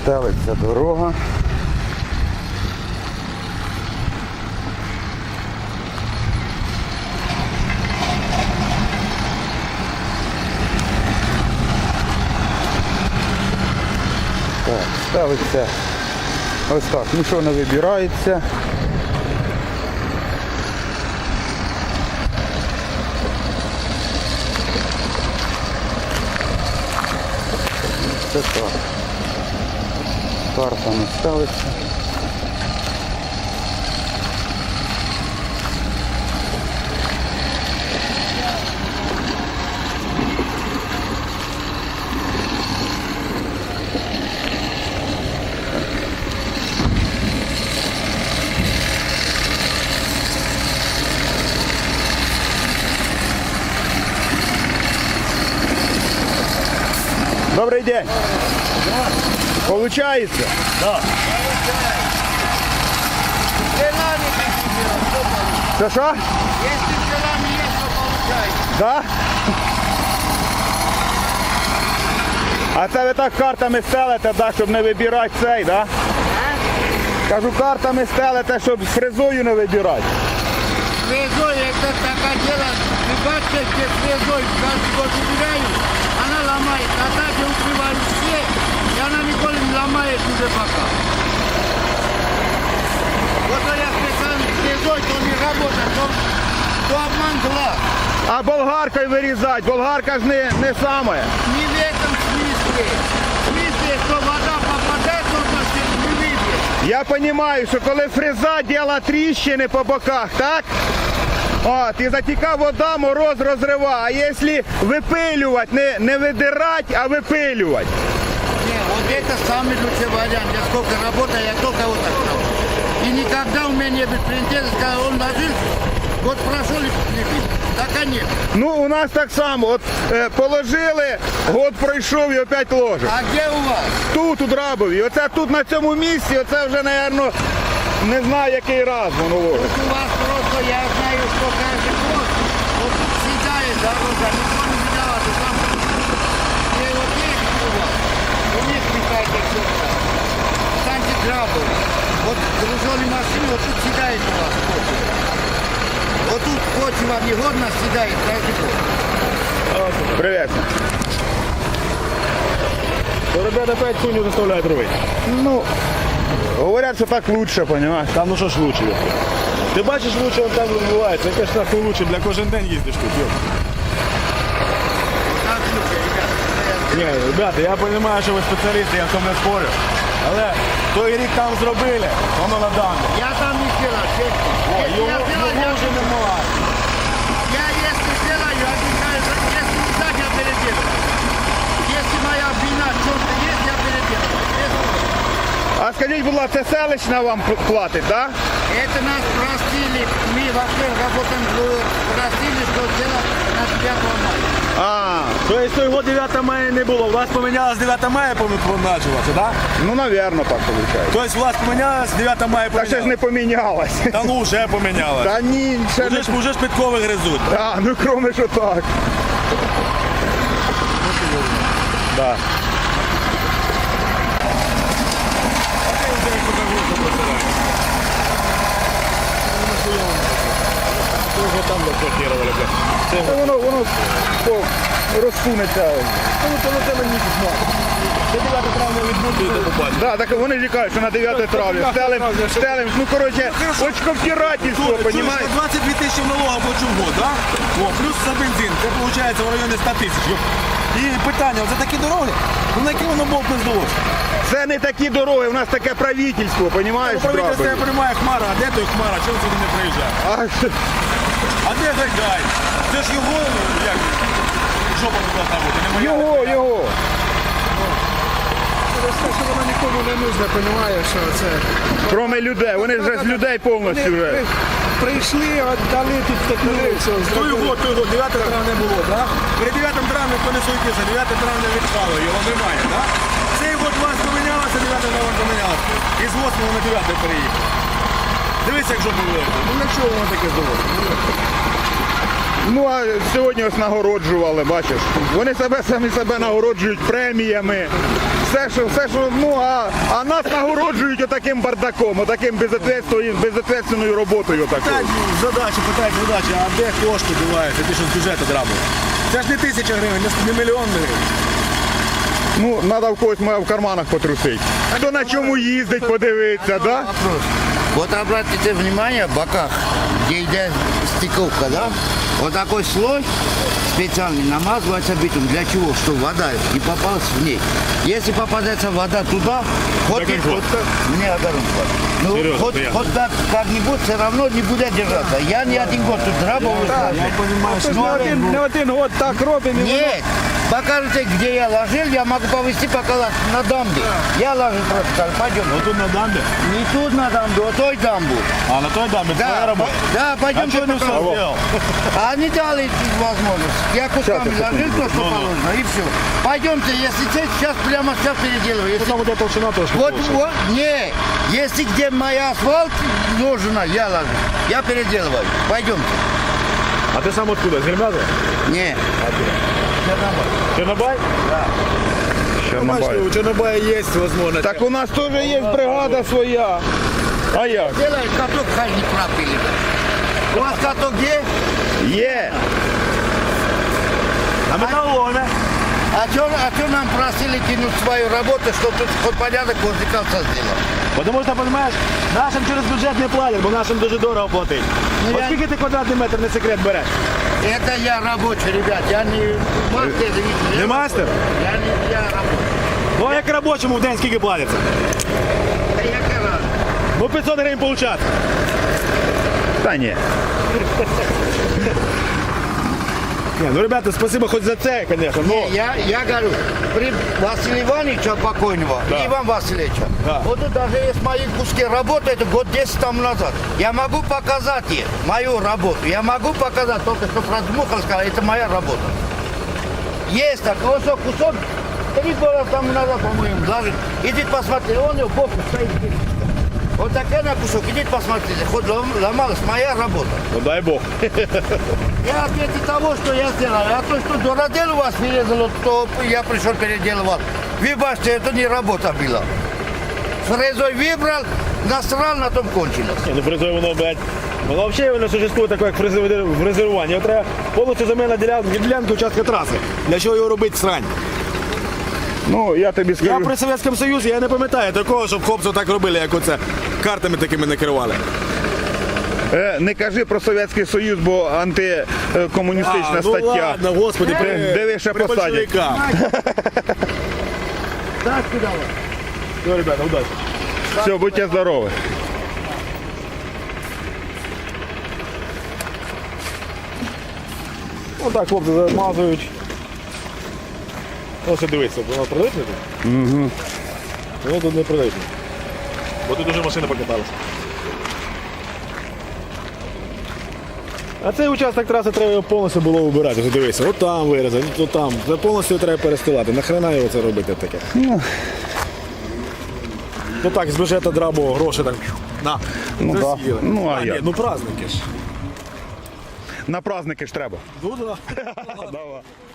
Стелиться дорога. Так, ставиться ось так, нічого не вибирається. Це так. Карта не ставиться. Добрий день. Получается? Да. Що? Если делами есть, то получается. Да? А це ви так картами стелите, да, щоб не вибирати цей, да? Кажу, картами стелите, щоб з фрезою не вибирати. Фрезой, это такое дело, ребятки, где фрезой каждый год убираю, она ломает, а так я укрываю все, и она никогда не ломает уже пока. Вот я специально фрезой, то не работает, то обман глаз. А болгаркою вирізати, болгарка ж не саме. Не в этом смысле. В смысле, что вода попадает в машину, не выйдет. Я розумію, що коли фреза робить тріщини по боках, так? От, і затіка вода, мороз розрива. А якщо випилювати, не видирати, а випилювати. Не, вот это самый лучший вариант. Я сколько работаю, я только вот так работаю. И никогда у меня не было претензий, когда он ложился, вот прошел и так нет. Ну, у нас так само. От положили, год пройшов і опять ложимо. А где у вас? Тут, у Драбові. Оце тут на цьому місці, оце вже, мабуть, не знаю, який раз воно ложить. Вот у вас просто, я знаю, что каждый год, вот съедает дорога, никто не виноват, и там, где вот есть у вас, у них какая-то черта. Станьте Драбовы. Вот груженые машины, вот тут съедает у вас. Вот тут почва негодно съедает каждый год. Привіт. То ребята опять хуйню заставляют рвать. Ну, говорять, що так лучше, розумієш? Там ну що ж лучше? Ти бачиш, лучше он там відбувається. Яке ж нахуй лучше, для кожен день їздиш тут, йоп. Так лучше, ребята. Ні, ребята, я розумію, що ви спеціалісти, я в тому не спорю. Але той рік там зробили, воно на даному. Я там не делаю, честно. Если Його я делаю, вже немає. я если делаю, обещаю, если не так, я переделаю. Если моя вина в чем-то есть, я переделаю. А скажіть, будь ласка, це селищна вам платить, так? Это нас простили, мы вообще работаем, простили, что делать на 9 мая. А, Тобто того 9 мая не було, у вас помінялось 9 мая почалося, так? ну, мабуть, так виходить. Тобто у вас помінялось 9 мая Та ще ж не помінялось. помінялось. Та ну вже помінялось. Та ні, ще не... Уже ж підкови гризуть. А, ну, кроме що так. Да. Там заблокировали, блядь. Та воно розсунеться. Ну, це мені письмо. Це 9 травня відбудете, побачите. Да, так вони ж і кажуть, що на 9 травня. Стелим, ну, коротше, очковтирательство, розумієш? 22 тисячі налога плачу в год, да? О, плюс за бензин, це виходить в районі 100 тисяч. І питання, це такі дороги? Ну на які воно болт не здалося? Це не такі дороги, у нас таке правительство, розумієш? Правительство я приймає Хмара, а де той Хмара, чому сюди не приїжджає? А де той гай? Це ж його, як, жопа не должна бути, не моя. Його. Що воно нікому не нужно, розумієш, що це. Кроме людей, вони вже з людей повністю вже. Прийшли, віддали тут стекнули, все, Той зробили. год, 9 травня було, так? При 9 травня хто не суетився, 9 травня відпало, його немає, так? Цей год у вас помінялося, 9 травня помінялося. І з 8 на 9 переїхав. Дивись, як жопу вилазить. Ну на чого воно таке здалося? Ну а сьогодні ось нагороджували, бачиш. Вони самі себе нагороджують преміями. Все, що, ну, а нас нагороджують отаким бардаком, отаким безответственною роботою Питають такою. питають задачі, а де кошти діваються, ті, що з бюджету драбили? Це ж не 1000 гривень, не мільйон гривень. Ну, треба в когось в карманах потрусити. Хто на чому їздить, подивитися, да? Вопрос. Вот обратите внимание, в боках, где идет стыковка, да? Вот такой слой специальный намазывается битум. Для чего? Чтобы вода не попалась в ней. Если попадается вода туда, хоть Так и вот. мне огород хватит. Ну, Серьезно, хоть, приятно. хоть так как-нибудь, все равно не будет держаться. Я не один год тут работаю. Я розумію, Тож не один год так робимо. і воно- Нет, покажите, где я ложил, я могу повезти пока на дамбе. Я ложил просто так, пойдем. Отут на дамбі? Не тут на дамбе, а той дамбу. А на той дамбі твоя Да, робота? да, пойдем. А чого не все зробив? А они дали возможность. Я кусками ложил то, что положено, и все. Пойдемте, если сейчас прямо сейчас переделываю. Если... Там буде толщина трошки. Вот, більше. вот, не, если где моя асфальт ложена, я ложу. Я переделываю. Пойдемте. А ти сам откуда? З Гельмяза? Не. Чорнобай? Бачите, у Чорнобая є можливість. Так у нас теж є бригада своя. А як? Делай каток, хай не пропили. У вас каток где? Є. На металлоломе. А что нам просили кинуть свою работу, что тут хоть порядок возле конца сделал? Потому що, розумієш, нашим через бюджет не платять, бо нашим дуже дорого платить. Ну, От я- скільки ти квадратний метр, не секрет, береш? Это я рабочий, ребят, я не мастер. Не мастер? Я рабочий. Ну а як робочому в день скільки платиться? Да я карал. Ну 500 гривень получати. Та ні. Ні, ну, ребята, спасибо хоч за це, звісно. Ну, Я говорю, при Василия Ивановича покойного, Да. Иван Васильевича, Да. вот тут даже есть мои куски работы, это год 10 тому назад. Я могу показать ей мою работу. Я могу показать, только что продмухал, сказал, это моя работа. Есть такой кусок, 3 года тому назад, по-моему, даже. Идите посмотрите, он у боку стоит. Вот такой на кусок, идите посмотрите, хоть ломалась моя работа. ну дай Бог. Я ответил того, что я сделал. А то, что дуродел у вас перерезало, то я пришел переделывал. Вы бачите, это не работа была. Фрезой выбрал, насрал, на том кончилось. Ні, ну фрезою воно, блядь. Воно взагалі воно существує таке, як фрезерування. Його треба повністю земельна ділянка участка траси. Для чого його робити срань? Ну, я тобі Я скажу. при Совєтському Союзі я не пам'ятаю такого, щоб хлопці так робили, як оце. Картами такими не керували. Не кажи про Совєтський Союз, бо антикомуністична ну стаття. ладно, господи, Диви, ще при посадять. большевиках. Так, куда вы? Ну, ребята, удачі. Все, будьте здорові. Отак хлопці замазують. Ось дивіться, воно прилипне тут? Угу. Воно тут не прилипне. Бо тут вже машина покаталася. А цей участок траси треба його повністю було вибирати. Ось дивися, от там вирізати, от там. Це повністю треба перестилати. Нахрена його це робити таке? Ну так, з бюджету драбу гроші так. На. Ну, да. засіяли. Ну, а ні, як? ну праздники ж. На праздники ж треба. Ну да. Давай.